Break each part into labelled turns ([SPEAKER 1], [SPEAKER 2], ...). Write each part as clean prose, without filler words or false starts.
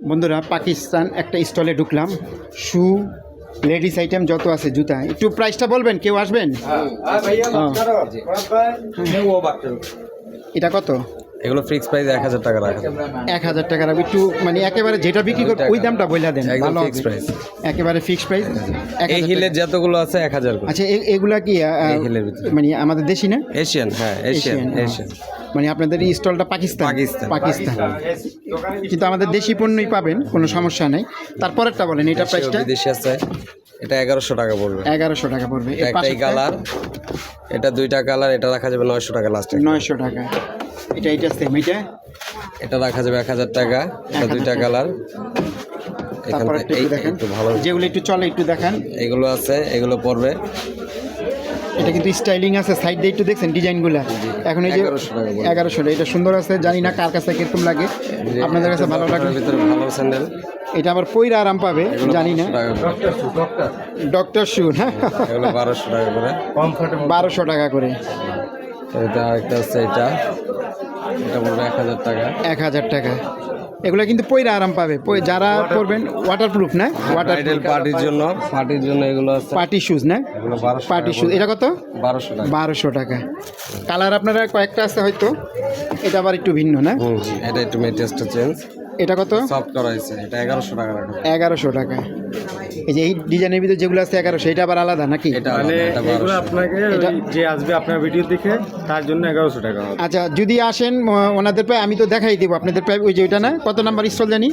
[SPEAKER 1] বন্ধুরা পাকিস্তান একটা স্টলে ঢুকলাম, শু লেডিস আইটেম যত আছে জুতা, একটু প্রাইসটা বলবেন, কেউ আসবেন? এটা কত?
[SPEAKER 2] এগুলো ফিক্স প্রাইস 1000 টাকা রাখা।
[SPEAKER 1] 1000 টাকা রাখবো। একটু মানে একেবারে যেটা বিক্রি করবে ওই দামটা বলে দেন, ভালো
[SPEAKER 2] ফিক্স প্রাইস,
[SPEAKER 1] একেবারে ফিক্স প্রাইস।
[SPEAKER 2] এই হিলের যতগুলো আছে 1000 করে।
[SPEAKER 1] আচ্ছা এগুলা কি
[SPEAKER 2] হিলের ভিতরে
[SPEAKER 1] মানে আমাদের দেশি না?
[SPEAKER 2] এশিয়ান, হ্যাঁ এশিয়ান।
[SPEAKER 1] মানে আপনাদের এই স্টলটা পাকিস্তান? পাকিস্তান, কিন্তু আমাদের দেশি পণ্যই পাবেন, কোনো সমস্যা নেই। তারপরেরটা বলেন, এটা প্রাইসটা?
[SPEAKER 2] বিদেশি আছে, এটা 1100 টাকা পড়বে।
[SPEAKER 1] 1100 টাকা পড়বে।
[SPEAKER 2] একটাই কালার, এটা দুইটা কালার, এটা রাখা যাবে 900 টাকা লাস্ট।
[SPEAKER 1] 900 টাকা। এটা সেম, এটা
[SPEAKER 2] রাখা যাবে 1000 টাকা। এটা দুইটা কালার।
[SPEAKER 1] তারপরে একটু ভালো যেগুলো একটু চলে একটু দেখান।
[SPEAKER 2] এগুলো আছে, এগুলো পড়বে।
[SPEAKER 1] এটা কিন্তু স্টাইলিং আছে, সাইড দিয়ে একটু দেখছেন ডিজাইনগুলো। এখন এই যে 1100, এটা সুন্দর আছে, জানি না কার কাছে কিরকম লাগে, আপনাদের কাছে ভালো লাগে।
[SPEAKER 2] ভিতরে ভালো স্যান্ডেল,
[SPEAKER 1] এটা আবার পইরা আরাম পাবে, জানি না। ডক্টর শু না,
[SPEAKER 2] এগুলো 1200 টাকা করে।
[SPEAKER 1] 1200 টাকা করে।
[SPEAKER 2] এটা আরেকটা আছে, এটা পড়বে 1000 টাকা।
[SPEAKER 1] 1000 টাকা। এগুলো কিন্তু পইরা আরাম পাবে, যারা পরবেন। ওয়াটারপ্রুফ না?
[SPEAKER 2] পার্টির জন্য এগুলো আছে,
[SPEAKER 1] পার্টি শুজ না?
[SPEAKER 2] এগুলো 1200
[SPEAKER 1] পার্টি শুজ। এটা কত?
[SPEAKER 2] 1200 টাকা।
[SPEAKER 1] 1200 টাকা। কালার আপনারা কয়েকটা আছে হয়তো, এটা আবার একটু ভিন্ন না?
[SPEAKER 2] এটা একটু টেস্টটা চেঞ্জ।
[SPEAKER 1] এটা কত?
[SPEAKER 2] সফট করা হয়েছে, এটা 1100 টাকা রাখা।
[SPEAKER 1] 1100 টাকা। এই যে এই ডিজাইনের ভিতরে যেগুলো আছে 1100, এটা আবার আলাদা নাকি?
[SPEAKER 2] মানে এগুলো আপনাকে যে আসবে আপনার ভিডিও দেখে তার জন্য 1100 টাকা।
[SPEAKER 1] আচ্ছা, যদি আসেন ওনাদের পায়ে আমি তো দেখাই দেবো আপনাদের পায়ে। ওই যে ওইটা না, কত নাম্বার স্টল জানি?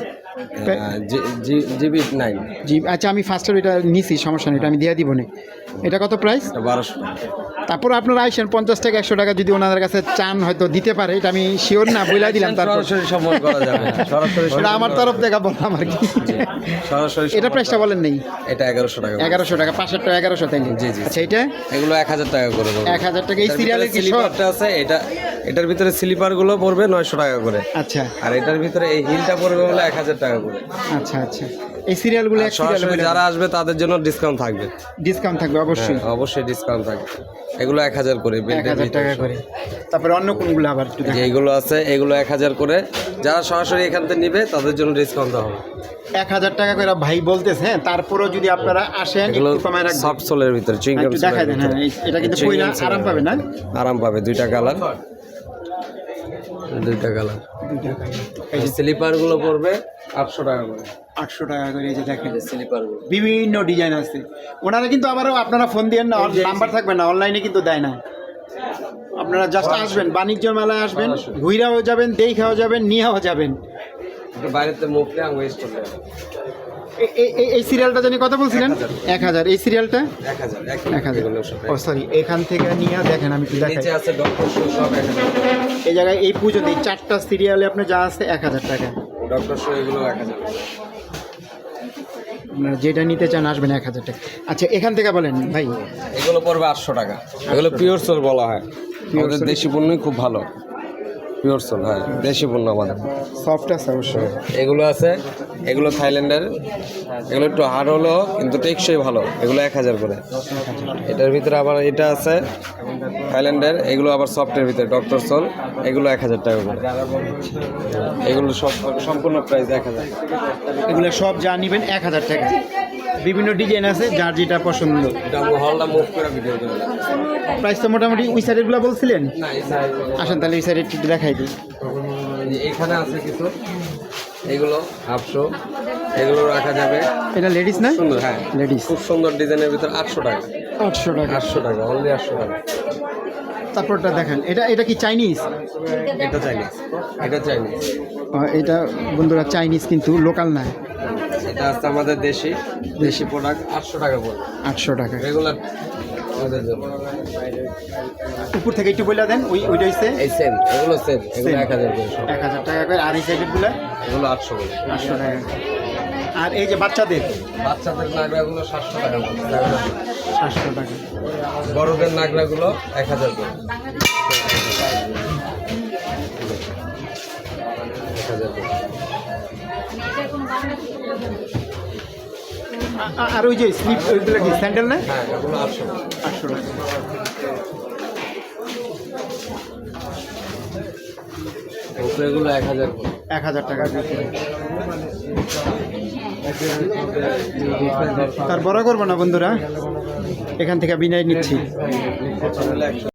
[SPEAKER 2] GB 9
[SPEAKER 1] G. আচ্ছা আমি ফার্স্টের ওইটা নিছি, সমস্যা নেই, এটা আমি দিয়ে দিব না। এটা কত প্রাইস?
[SPEAKER 2] 1200 টাকা।
[SPEAKER 1] তারপর আপনারা আইসেন 50 টাকা 100 টাকা যদি ওনাদের কাছে চান হয়তো দিতে পারে, এটা আমি শিওর না, বইলাই দিলাম। তারপর
[SPEAKER 2] সরাসরি সম্মান করা যাবে, সরাসরি
[SPEAKER 1] এটা আমার তরফ থেকে বললাম আর কি।
[SPEAKER 2] সরাসরি।
[SPEAKER 1] এটা প্রাইসটা বলেন নেই?
[SPEAKER 2] এটা 1100 টাকা।
[SPEAKER 1] 1100 টাকা। পাশেরটা 1100 তাই?
[SPEAKER 2] জি জি।
[SPEAKER 1] আচ্ছা এটা
[SPEAKER 2] এগুলো 1000 টাকা করে।
[SPEAKER 1] 1000 টাকা। এই সিরিয়ালের কি
[SPEAKER 2] স্লিপারটা আছে, এটার ভিতরে স্লিপার গুলো পড়বে 900 টাকা করে।
[SPEAKER 1] আচ্ছা।
[SPEAKER 2] আর এটার ভিতরে এই হিলটা পড়বে হলো 1000 টাকা করে।
[SPEAKER 1] আচ্ছা আচ্ছা। এই সিরিয়ালগুলো
[SPEAKER 2] সরাসরি যারা আসবে তাদের জন্য ডিসকাউন্ট থাকবে।
[SPEAKER 1] ডিসকাউন্ট থাকবে অবশ্যই,
[SPEAKER 2] অবশ্যই ডিসকাউন্ট থাকবে। এগুলো 1000 করে,
[SPEAKER 1] 1000 টাকা করে। তারপরে অন্য কোনগুলো আবার একটু দেখেন?
[SPEAKER 2] এইগুলো আছে, এগুলো 1000 করে। যারা সরাসরি এখান থেকে নিবে তাদের জন্য ডিসকাউন্ট দেওয়া হবে।
[SPEAKER 1] 1000 টাকা করে ভাই বলতেছে। হ্যাঁ, তারপরেও যদি আপনারা আসেন একটু কমায় রাখবেন।
[SPEAKER 2] সফট সোলের ভিতরে চুইংগাম
[SPEAKER 1] দেখাই দেন। হ্যাঁ, এটা কিন্তু পয়লা আরাম পাবে না?
[SPEAKER 2] আরাম পাবে। দুইটা কালার, এই স্লিপার গুলো পড়বে 800 টাকা করে।
[SPEAKER 1] 800 টাকা করে। এই যে দেখেন
[SPEAKER 2] স্লিপার গুলো
[SPEAKER 1] বিভিন্ন ডিজাইন আছে। ওনারা কিন্তু আবারও আপনারা ফোন দিয়েন না, নাম্বার থাকবে না, অনলাইনে কিন্তু দেয় না। আপনারা জাস্ট আসবেন, বাণিজ্য মেলায় আসবেন, ঘুরাও যাবেন, দেখাও যাবেন, নিয়েও যাবেন।
[SPEAKER 2] বাইরেতে মুখলে আমি ওয়েস্ট করলে।
[SPEAKER 1] এই সিরিয়ালটা জানি কত বলছিলেন? 1000। এই সিরিয়ালটা
[SPEAKER 2] 1000।
[SPEAKER 1] ও সরি, এখান থেকে নিয়ে দেখেন, আমি একটু দেখাই।
[SPEAKER 2] নিচে আছে ডক্টর শু, সব 1000।
[SPEAKER 1] এই জায়গায় এই পর্যন্ত এই 4টা সিরিয়ালে আপনি যা আছে 1000 টাকা।
[SPEAKER 2] ডক্টর শু এগুলো 1000।
[SPEAKER 1] আপনারা যেটা নিতে চান আসবেন 1000 টাকা। আচ্ছা এখান থেকে বলেন ভাই।
[SPEAKER 2] এগুলো পড়বে 800 টাকা। এগুলো পিওর সোল বলা হয়, আমাদের দেশি পণ্যই খুব ভালো। পিওর সোল, হ্যাঁ দেশি পণ্য আমাদের।
[SPEAKER 1] সফট আছে অবশ্যই।
[SPEAKER 2] এগুলো আছে, এগুলো থাইল্যান্ডের। এগুলো একটু হার্ড হলো কিন্তু টেকসই ভালো। এগুলো 1000 করে। এটার ভিতরে আবার এটা আছে থাইল্যান্ডের, এগুলো আবার সফটের ভিতরে ডক্টর সোল, এগুলো 1000 টাকা করে। এগুলো সব সম্পূর্ণ প্রাইস 1000।
[SPEAKER 1] এগুলো সব যা নেবেন 1000 টাকা। বিভিন্ন ডিজাইন আছে, যার যেটা পছন্দ।
[SPEAKER 2] হলটা মুভ করে ভিডিও করে।
[SPEAKER 1] প্রাইস তো মোটামুটি ওই সাইডেরগুলো বলছিলেন। আসেন তাহলে ওই সাইডে একটু দেখাই দিই।
[SPEAKER 2] এখানে আছে কিছু, এগুলো 800, এগুলো রাখা যাবে।
[SPEAKER 1] এটা লেডিস না?
[SPEAKER 2] সুন্দর, হ্যাঁ
[SPEAKER 1] লেডিস।
[SPEAKER 2] খুব সুন্দর ডিজাইনের ভিতর 800 টাকা।
[SPEAKER 1] 800 টাকা।
[SPEAKER 2] 800 টাকা, অনলি 800 টাকা।
[SPEAKER 1] তারপরটা দেখেন, এটা কি চাইনিজ?
[SPEAKER 2] এটা চাইনিজ, এটা চাইনিজ।
[SPEAKER 1] এটা বন্ধুরা চাইনিজ, কিন্তু লোকাল না।
[SPEAKER 2] এটা আছে আমাদের দেশি প্রোডাক্ট। 800 টাকা পড়বে।
[SPEAKER 1] 800 টাকা
[SPEAKER 2] রেগুলার আমাদের জন্য।
[SPEAKER 1] উপর থেকে একটু বলে দেন। ওইটা হচ্ছে
[SPEAKER 2] এই সেম, এগুলো সেম, এগুলো 1000 করে।
[SPEAKER 1] 1000 টাকা করে। আর এই সাইডেরগুলো
[SPEAKER 2] এগুলো 800 করে।
[SPEAKER 1] 800 টাকা। আর এই যে বাচ্চাদের
[SPEAKER 2] নাগরাগুলো 700 টাকা।
[SPEAKER 1] 700 টাকা।
[SPEAKER 2] বড়দের নাগরাগুলো 1000 করে। 1000 করে।
[SPEAKER 1] আর ওই যে স্লিপ, ওইগুলো কি স্যান্ডেল না?
[SPEAKER 2] হ্যাঁ, এগুলো 800
[SPEAKER 1] টাকা।
[SPEAKER 2] এগুলো 1000 করে।
[SPEAKER 1] 1000 টাকা। তার বড় করবো না বন্ধুরা, এখান থেকে বিদায় নিচ্ছি।